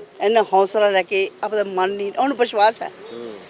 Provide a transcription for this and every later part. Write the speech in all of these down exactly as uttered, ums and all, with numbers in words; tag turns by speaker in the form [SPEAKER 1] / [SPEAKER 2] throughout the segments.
[SPEAKER 1] ਇੰਨਾ ਹੌਸਲਾ ਲੈ ਕੇ ਆਪਦਾ ਮਨ ਨਹੀਂ, ਉਹਨੂੰ ਵਿਸ਼ਵਾਸ ਹੈ।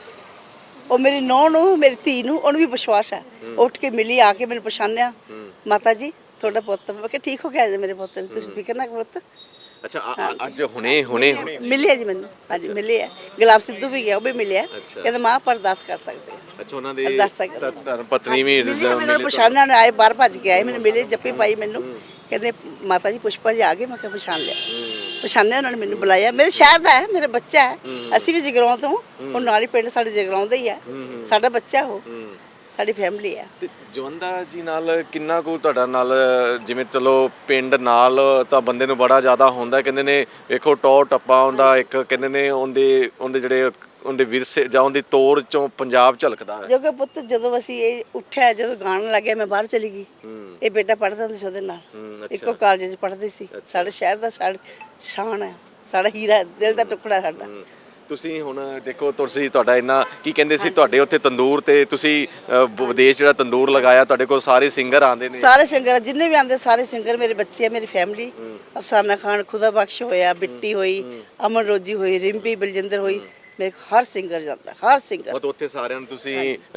[SPEAKER 1] ਉਹ ਮੇਰੀ ਨੂੰਹ ਨੂੰ, ਮੇਰੀ ਧੀ ਨੂੰ, ਉਹਨੂੰ ਵੀ ਵਿਸ਼ਵਾਸ ਹੈ। ਉੱਠ ਕੇ ਮਿਲੀ, ਆ ਕੇ ਮੈਨੂੰ ਪਛਾਣਿਆ, ਮਾਤਾ ਜੀ ਤੁਹਾਡਾ ਪੁੱਤ। ਮੈਂ ਕਿਹਾ ਠੀਕ ਹੋ ਗਿਆ ਜੀ ਮੇਰੇ ਪੁੱਤ ਨੂੰ, ਤੁਸੀਂ ਫਿਕਰ ਨਾ ਕਰੋ ਪੁੱਤ।
[SPEAKER 2] ਅੱਛਾ ਅੱਜ ਹੁਣੇ ਹੁਣੇ
[SPEAKER 1] ਮਿਲਿਆ ਜੀ ਮੈਨੂੰ, ਹਾਂਜੀ ਮਿਲਿਆ। ਗੁਲਾਬ ਸਿੱਧੂ ਵੀ ਗਿਆ, ਉਹ ਵੀ ਮਿਲਿਆ, ਕਹਿੰਦਾ ਮਾਂ ਆਪਾਂ ਅਰਦਾਸ ਕਰ ਸਕਦੇ ਹਾਂ।
[SPEAKER 2] ਅੱਛਾ ਉਹਨਾਂ ਦੇ
[SPEAKER 1] ਅਰਦਾਸ ਕਰ
[SPEAKER 2] ਧਰਮ ਪਤਨੀ ਵੀ
[SPEAKER 1] ਮੈਨੂੰ ਪਛਾਣਨ ਆਏ, ਬਾਹਰ ਭੱਜ ਕੇ ਆਏ, ਮੈਨੂੰ ਮਿਲੇ, ਜੱਫੀ ਪਾਈ ਮੈਨੂੰ, ਕਹਿੰਦੇ ਮਾਤਾ ਜੀ ਪੁਸ਼ਪਾ ਜੀ ਆ ਗਏ। ਮੈਂ ਕਿਹਾ ਪਛਾਣ ਲਿਆ, ਪਛਾਣਿਆ ਉਹਨਾਂ ਨੇ, ਮੈਨੂੰ ਬੁਲਾਇਆ। ਮੇਰੇ ਸ਼ਹਿਰ ਦਾ ਹੈ, ਮੇਰਾ ਬੱਚਾ ਹੈ, ਅਸੀਂ ਵੀ ਜਗਰਾਉਂ ਤੋਂ, ਉਹ ਨਾਲ ਹੀ ਪਿੰਡ ਸਾਡੇ ਜਗਰਾਉਂ ਦਾ ਹੀ ਹੈ, ਸਾਡਾ ਬੱਚਾ ਉਹ, ਸਾਡੀ ਫੈਮਿਲੀ ਹੈ।
[SPEAKER 2] ਤੇ ਜਵੰਦਾ ਜੀ ਨਾਲ ਕਿੰਨਾ ਕੁ ਤੁਹਾਡਾ ਨਾਲ, ਜਿਵੇਂ ਚਲੋ ਪਿੰਡ ਨਾਲ ਤਾਂ ਬੰਦੇ ਨੂੰ ਬੜਾ ਜ਼ਿਆਦਾ ਹੁੰਦਾ, ਕਹਿੰਦੇ ਨੇ ਵੇਖੋ ਟੌਰ ਟੱਪਾ ਹੁੰਦਾ ਇੱਕ, ਕਹਿੰਦੇ ਨੇ ਉਹਦੇ ਉਹਦੇ ਜਿਹੜੇ ਉਹਦੇ ਵਿਰਸੇ ਜਾਂ ਉਹਦੀ ਤੋੜ ਚੋਂ ਪੰਜਾਬ ਝਲਕਦਾ ਹੈ।
[SPEAKER 1] ਜੋ ਕਿ ਪੁੱਤ ਜਦੋਂ ਅਸੀਂ ਇਹ ਉੱਠਿਆ, ਜਦੋਂ ਗਾਣ ਲੱਗਿਆ, ਮੈਂ ਬਾਹਰ ਚਲੀ ਗਈ। ਇਹ ਬੇਟਾ ਪੜ੍ਹਦਾ ਹੁੰਦਾ ਸੀ ਉਹਦੇ ਨਾਲ, ਇੱਕੋ ਕਾਲਜ 'ਚ ਪੜ੍ਹਦੇ ਸੀ। ਸਾਡੇ ਸ਼ਹਿਰ ਦਾ ਸਾਡਾ ਸ਼ਾਨ ਹੈ, ਸਾਡਾ ਹੀਰਾ, ਦਿਲ ਦਾ ਟੁਕੜਾ ਸਾਡਾ।
[SPEAKER 2] ਤੁਸੀਂ ਹੁਣ ਦੇਖੋ, ਤੁਸੀਂ ਤੁਹਾਡਾ ਇੰਨਾ ਕੀ ਕਹਿੰਦੇ ਸੀ, ਤੁਹਾਡੇ ਉੱਥੇ ਤੰਦੂਰ ਤੇ ਤੁਸੀਂ ਵਿਦੇਸ਼ ਜਿਹੜਾ ਤੰਦੂਰ ਲਗਾਇਆ, ਤੁਹਾਡੇ ਕੋਲ ਸਾਰੇ ਸਿੰਗਰ ਆਉਂਦੇ ਨੇ। ਸਾਰੇ
[SPEAKER 1] ਸਿੰਗਰ ਜਿੰਨੇ ਵੀ ਆਉਂਦੇ, ਸਾਰੇ ਸਿੰਗਰ ਮੇਰੇ ਬੱਚੇ ਆ, ਮੇਰੀ ਫੈਮਿਲੀ। ਅਫਸਾਨਾ ਖਾਨ, ਖੁਦਾ ਬਖਸ਼ ਹੋਇਆ, ਬਿੱਟੀ ਹੋਈ, ਅਮਨ ਰੋਜੀ ਹੋਈ, ਰਿੰਪੀ ਬਲਜਿੰਦਰ ਹੋਈ, ਮੇਰੇ ਹਰ ਸਿੰਗਰ ਜਾਂਦਾ, ਹਰ ਸਿੰਗਰ।
[SPEAKER 2] ਉਹ ਉੱਥੇ ਸਾਰਿਆਂ ਨੂੰ ਤੁਸੀਂ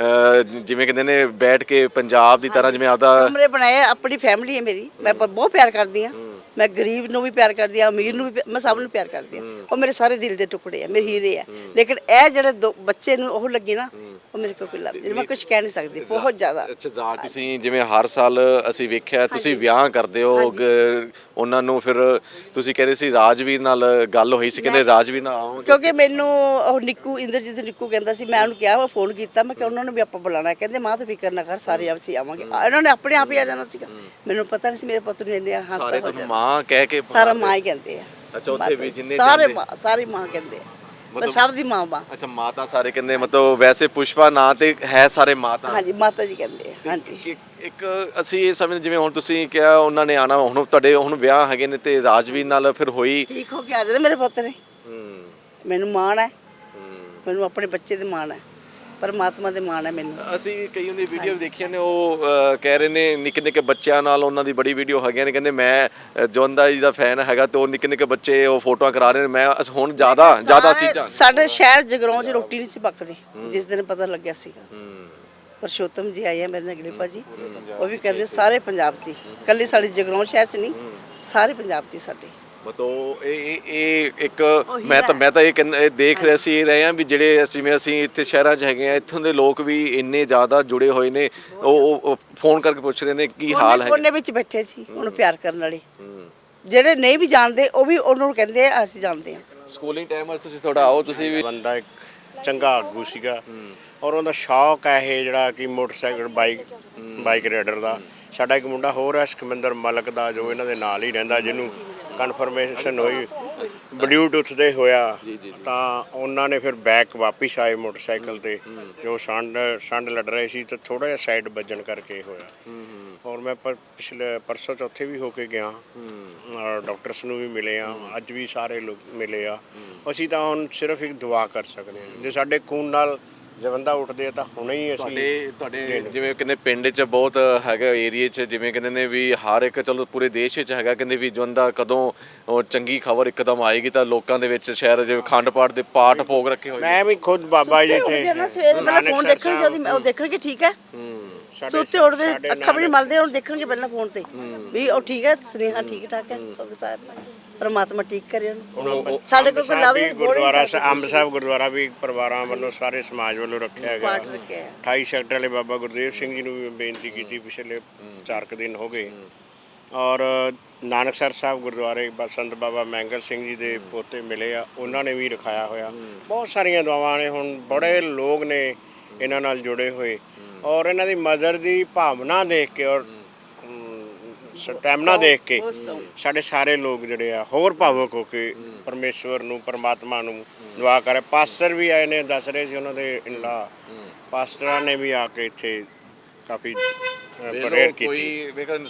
[SPEAKER 2] ਜਿਵੇਂ ਕਹਿੰਦੇ ਨੇ ਬੈਠ ਕੇ ਪੰਜਾਬ ਦੀ ਤਰ੍ਹਾਂ, ਜਿਵੇਂ ਆਪਦਾ
[SPEAKER 1] ਕਮਰੇ ਬਣਾਏ। ਆਪਣੀ ਫੈਮਿਲੀ ਹੈ ਮੇਰੀ, ਮੈਂ ਬਹੁਤ ਪਿਆਰ ਕਰਦੀ ਹਾਂ। ਮੈਂ ਗਰੀਬ ਨੂੰ ਵੀ ਪਿਆਰ ਕਰਦੀ ਹਾਂ, ਅਮੀਰ ਨੂੰ ਵੀ, ਮੈਂ ਸਭ ਨੂੰ ਪਿਆਰ ਕਰਦੀ ਹਾਂ। ਉਹ ਮੇਰੇ ਸਾਰੇ ਦਿਲ ਦੇ ਟੁਕੜੇ ਆ, ਮੇਰੇ ਹੀਰੇ ਆ। ਲੇਕਿਨ ਇਹ ਜਿਹੜੇ ਬੱਚੇ ਨੂੰ ਉਹ ਲੱਗੀ ਨਾ, ਉਹ ਮੇਰੇ ਕੋਲ ਕੋਈ ਲਫ਼ਜ਼ ਨਹੀਂ, ਮੈਂ ਕੁਝ ਕਹਿ ਨਹੀਂ ਸਕਦੀ, ਬਹੁਤ ਜ਼ਿਆਦਾ।
[SPEAKER 2] ਅੱਛਾ ਜਾ ਤੁਸੀਂ ਜਿਵੇਂ ਹਰ ਸਾਲ ਅਸੀਂ ਵੇਖਿਆ ਤੁਸੀਂ ਵਿਆਹ ਕਰਦੇ ਹੋ, ਉਹਨਾਂ ਨੂੰ ਫਿਰ ਤੁਸੀਂ ਕਹਿੰਦੇ ਸੀ ਰਾਜਵੀਰ ਨਾਲ ਗੱਲ ਹੋਈ ਸੀ, ਕਹਿੰਦੇ ਰਾਜਵੀਰ ਨਾਲ ਆਓਗੇ,
[SPEAKER 1] ਕਿਉਂਕਿ ਮੈਨੂੰ ਉਹ ਨਿੱਕੂ, ਇੰਦਰਜੀਤ ਨਿੱਕੂ ਕਹਿੰਦਾ ਸੀ, ਮੈਂ ਉਹਨੂੰ ਕਿਹਾ, ਮੈਂ ਫੋਨ ਕੀਤਾ, ਮੈਂ ਕਿਹਾ ਉਹਨਾਂ ਨੂੰ ਵੀ ਆਪਾਂ ਬੁਲਾਣਾ। ਕਹਿੰਦੇ ਮਾਂ ਤੂੰ ਫਿਕਰ ਨਾ ਕਰ, ਸਾਰੇ ਅਸੀਂ ਆਵਾਂਗੇ। ਇਹਨਾਂ ਨੇ ਆਪਣੇ ਆਪ ਹੀ ਆ ਜਾਣਾ ਸੀਗਾ, ਮੈਨੂੰ ਪਤਾ ਨਹੀਂ ਸੀ ਮੇਰੇ ਪੁੱਤ ਨੂੰ ਇੰਨੇ ਹਾਸਾ ਹੋ ਜਾਣਾ।
[SPEAKER 2] ਮਾਂ ਕਹਿ ਕੇ
[SPEAKER 1] ਸਾਰਾ ਮਾਂ ਹੀ ਕਹਿੰਦੇ ਆ।
[SPEAKER 2] ਅੱਛਾ ਉੱਥੇ ਵੀ ਜਿੰਨੇ
[SPEAKER 1] ਸਾਰੇ ਮਾਂ, ਸਾਰੀ ਮਾਂ ਕਹਿੰਦੇ ਆ, ਮੈਂ ਸਭ ਦੀ ਮਾਂ ਮਾਂ।
[SPEAKER 2] ਅੱਛਾ ਮਾਤਾ ਸਾਰੇ ਕਹਿੰਦੇ, ਮਤਲਬ ਵੈਸੇ ਪੁਸ਼ਪਾ ਨਾਂ ਤੇ ਹੈ ਸਾਰੇ ਮਾਤਾ।
[SPEAKER 1] ਹਾਂਜੀ ਮਾਤਾ ਜੀ ਕਹਿੰਦੇ ਆ। ਹਾਂਜੀ
[SPEAKER 2] ਇੱਕ ਅਸੀਂ ਇਹ ਸਮਝ, ਜਿਵੇਂ ਹੁਣ ਤੁਸੀਂ ਕਿਹਾ ਉਹਨਾਂ ਨੇ ਆਣਾ, ਹੁਣ ਤੁਹਾਡੇ ਹੁਣ ਵਿਆਹ ਹੈਗੇ ਨੇ ਤੇ ਰਾਜਵੀਰ ਨਾਲ ਫਿਰ ਹੋਈ,
[SPEAKER 1] ਠੀਕ ਹੋ ਕੇ ਆ ਜਾਣਾ ਮੇਰੇ ਪੁੱਤ ਨੇ। ਮੈਨੂੰ ਮਾਣ ਹੈ, ਮੈਨੂੰ ਆਪਣੇ ਬੱਚੇ ਦੇ ਮਾਣ ਹੈ, ਪਰਮਾਤਮਾ ਦੇ ਮਾਣ ਹੈ ਮੈਨੂੰ।
[SPEAKER 2] ਅਸੀਂ ਕਈ ਉਹਦੀ ਵੀਡੀਓ ਦੇਖੀਆਂ ਨੇ, ਉਹ ਕਹਿ ਰਹੇ ਨੇ ਨਿੱਕੇ ਨਿੱਕੇ ਬੱਚਿਆਂ ਨਾਲ ਉਹਨਾਂ ਦੀ ਬੜੀ ਵੀਡੀਓ ਹੈਗੀਆਂ ਨੇ, ਕਹਿੰਦੇ ਮੈਂ ਜਵੰਦਾ ਜੀ ਦਾ ਫੈਨ ਹੈਗਾ ਤੇ ਉਹ ਨਿੱਕੇ ਨਿੱਕੇ ਬੱਚੇ ਉਹ ਫੋਟੋਆਂ ਕਰਾ ਰਹੇ ਨੇ। ਮੈਂ ਹੁਣ ਜ਼ਿਆਦਾ ਜ਼ਿਆਦਾ ਚੀਜ਼ਾਂ
[SPEAKER 1] ਸਾਡੇ ਸ਼ਹਿਰ ਜਗਰਾਉਂ 'ਚ ਰੋਟੀ ਨਹੀਂ ਸੀ ਪੱਕਦੀ ਜਿਸ ਦਿਨ ਪਤਾ ਲੱਗਿਆ ਸੀਗਾ। ਪਰਸ਼ੋਤਮ ਜੀ ਆਏ ਆ ਮੇਰੇ ਨਾਲ, ਗਲੀਫਾ ਜੀ, ਉਹ ਵੀ ਕਹਿੰਦੇ ਸਾਰੇ ਪੰਜਾਬ 'ਚ, ਇਕੱਲੀ ਸਾਡੇ ਜਗਰਾਉਂ ਸ਼ਹਿਰ 'ਚ ਨਹੀਂ, ਸਾਰੇ ਪੰਜਾਬ 'ਚ ਸਾਡੇ।
[SPEAKER 2] ਮਤਲਬ ਇਹ ਇਹ ਇੱਕ ਮੈਂ ਤਾਂ ਮੈਂ ਤਾਂ ਇਹ ਕਹਿੰਦਾ ਦੇਖ ਰਿਹਾ ਸੀ ਰਹੇ ਆ ਵੀ ਜਿਹੜੇ ਅਸੀਂ ਜਿਵੇਂ ਅਸੀਂ ਇੱਥੇ ਸ਼ਹਿਰਾਂ 'ਚ ਹੈਗੇ ਆ, ਇੱਥੋਂ ਦੇ ਲੋਕ ਵੀ ਇੰਨੇ ਜ਼ਿਆਦਾ ਜੁੜੇ ਹੋਏ ਨੇ, ਉਹ ਫੋਨ ਕਰਕੇ ਪੁੱਛ ਰਹੇ ਨੇ ਕੀ ਹਾਲ ਹੈ।
[SPEAKER 1] ਕੋਨੇ ਵਿੱਚ ਬੈਠੇ ਸੀ ਉਹਨੂੰ ਪਿਆਰ ਕਰਨ ਵਾਲੇ, ਜਿਹੜੇ ਨਹੀਂ ਵੀ ਜਾਣਦੇ ਉਹ ਵੀ ਉਹਨੂੰ ਕਹਿੰਦੇ ਆ ਅਸੀਂ ਜਾਣਦੇ ਹਾਂ।
[SPEAKER 2] ਸਕੂਲਿੰਗ ਟਾਈਮ ਤੁਸੀਂ ਥੋੜਾ ਆਓ, ਤੁਸੀਂ ਵੀ
[SPEAKER 3] ਬੰਦਾ ਇੱਕ ਚੰਗਾ ਆਗੂ ਸੀਗਾ, ਔਰ ਉਹਦਾ ਸ਼ੌਕ ਹੈ ਇਹ ਜਿਹੜਾ ਕਿ ਮੋਟਰਸਾਈਕਲ ਬਾਈਕ ਬਾਈਕ ਰਾਈਡਰ ਦਾ। ਸਾਡਾ ਇੱਕ ਮੁੰਡਾ ਹੋਰ ਹੈ ਸੁਖਮਿੰਦਰ ਮਲਕ ਦਾ, ਜੋ ਇਹਨਾਂ ਦੇ ਨਾਲ ਹੀ ਰਹਿੰਦਾ, ਜਿਹਨੂੰ ਕਨਫਰਮੇਸ਼ਨ ਹੋਈ ਬਲੂਟੁੱਥ ਦੇ ਹੋਇਆ, ਤਾਂ ਉਹਨਾਂ ਨੇ ਫਿਰ ਬੈਕ ਵਾਪਿਸ ਆਏ ਮੋਟਰਸਾਈਕਲ ਤੇ, ਜੋ ਸੰਡ ਸੰਡ ਲੜ ਰਹੇ ਸੀ ਤੇ ਥੋੜਾ ਜਿਹਾ ਸਾਈਡ ਵੱਜਣ ਕਰਕੇ ਹੋਇਆ। ਔਰ ਮੈਂ ਪਿਛਲੇ ਪਰਸੋਂ ਚੌਥੇ ਵੀ ਹੋ ਕੇ ਗਿਆ, ਔਰ ਡਾਕਟਰਸ ਨੂੰ ਵੀ ਮਿਲੇ ਆ, ਅੱਜ ਵੀ ਸਾਰੇ ਲੋਕ ਮਿਲੇ ਆ। ਅਸੀਂ ਤਾਂ ਹੁਣ ਸਿਰਫ ਇੱਕ ਦੁਆ ਕਰ ਸਕਦੇ ਹਾਂ, ਜੇ ਸਾਡੇ ਖੂਨ ਨਾਲ ਜਵੰਦਾ ਉੱਠਦੇ ਆ ਤਾਂ ਹੁਣੇ ਹੀ ਅਸੀਂ
[SPEAKER 2] ਤੁਹਾਡੇ ਤੁਹਾਡੇ ਜਿਵੇਂ ਕਹਿੰਦੇ ਪਿੰਡ 'ਚ ਬਹੁਤ ਹੈਗਾ ਏਰੀਏ 'ਚ, ਜਿਵੇਂ ਕਹਿੰਦੇ ਨੇ ਵੀ ਹਰ ਇੱਕ, ਚਲੋ ਪੂਰੇ ਦੇਸ਼ ਵਿੱਚ ਹੈਗਾ, ਕਹਿੰਦੇ ਵੀ ਜਵੰਦਾ ਕਦੋਂ ਉਹ ਚੰਗੀ ਖਬਰ ਇੱਕਦਮ ਆਏਗੀ ਤਾਂ ਲੋਕਾਂ ਦੇ ਵਿੱਚ ਸ਼ਹਿਰ ਜਿਵੇਂ ਅਖੰਡ ਪਾਠ ਦੇ ਪਾਠ ਭੋਗ ਰੱਖੇ ਹੋਏ।
[SPEAKER 3] ਮੈਂ ਵੀ ਖੁਦ ਬਾਬਾ ਜੀ
[SPEAKER 1] ਇੱਥੇ ਪਹਿਲਾਂ ਫੋਨ ਦੇਖਣਗੇ, ਉਹ ਦੇਖਣਗੇ ਠੀਕ ਹੈ, ਸੁੱਤੇ ਉੱਠਦੇ ਅੱਖਾਂ ਵੀ ਨਹੀਂ ਮਲਦੇ, ਉਹਨੂੰ ਦੇਖਣਗੇ ਪਹਿਲਾਂ ਫੋਨ ਤੇ ਵੀ ਉਹ ਠੀਕ ਹੈ, ਸੁਨੇਹਾ ਠੀਕ ਠਾਕ ਹੈ, ਸੁਖ ਸਾਹਿਬ ਪਰਮਾਤਮਾ ਠੀਕ ਕਰੇ ਉਹਨੂੰ। ਸਾਡੇ ਕੋਲ ਲਾਵੇ
[SPEAKER 3] ਗੁਰਦੁਆਰਾ ਅੰਬ ਸਾਹਿਬ ਗੁਰਦੁਆਰਾ ਵੀ ਪਰਿਵਾਰਾਂ ਵੱਲੋਂ, ਸਾਰੇ ਸਮਾਜ ਵੱਲੋਂ ਰੱਖਿਆ ਗਿਆ। ਅਠਾਈ ਸੈਕਟਰ ਵਾਲੇ ਬਾਬਾ ਗੁਰਦੇਵ ਸਿੰਘ ਜੀ ਨੂੰ ਵੀ ਬੇਨਤੀ ਕੀਤੀ ਪਿਛਲੇ ਚਾਰ ਕੁ ਦਿਨ ਹੋ ਗਏ। ਔਰ ਨਾਨਕਸਰ ਸਾਹਿਬ ਗੁਰਦੁਆਰੇ ਸੰਤ ਬਾਬਾ ਮੈਂਗਲ ਸਿੰਘ ਜੀ ਦੇ ਪੋਤੇ ਮਿਲੇ ਆ, ਉਹਨਾਂ ਨੇ ਵੀ ਰਖਾਇਆ ਹੋਇਆ। ਬਹੁਤ ਸਾਰੀਆਂ ਦੁਆਵਾਂ ਨੇ, ਹੁਣ ਬੜੇ ਲੋਕ ਨੇ ਇਹਨਾਂ ਨਾਲ ਜੁੜੇ ਹੋਏ, ਔਰ ਇਹਨਾਂ ਦੀ ਮਦਰ ਦੀ ਭਾਵਨਾ ਦੇਖ ਕੇ ਔਰ ਸਟੈਮਨਾ ਦੇਖ ਕੇ ਸਾਡੇ ਸਾਰੇ ਲੋਕ ਜਿਹੜੇ ਆ ਹੋਰ ਭਾਵੁਕ ਹੋ ਕੇ ਪਰਮੇਸ਼ਵਰ ਨੂੰ, ਪਰਮਾਤਮਾ ਨੂੰ ਦੁਆ ਕਰੇ। ਪਾਸਟਰ ਵੀ ਆਏ ਨੇ, ਦੱਸ ਰਹੇ ਸੀ ਉਹਨਾਂ ਦੇ ਇਨਲਾ ਪਾਸਟਰਾਂ ਨੇ ਵੀ ਆ ਕੇ ਇੱਥੇ ਕਾਫੀ ਪ੍ਰੇਅਰ ਕੀਤੀ।
[SPEAKER 2] ਕੋਈ ਵੇਖੋ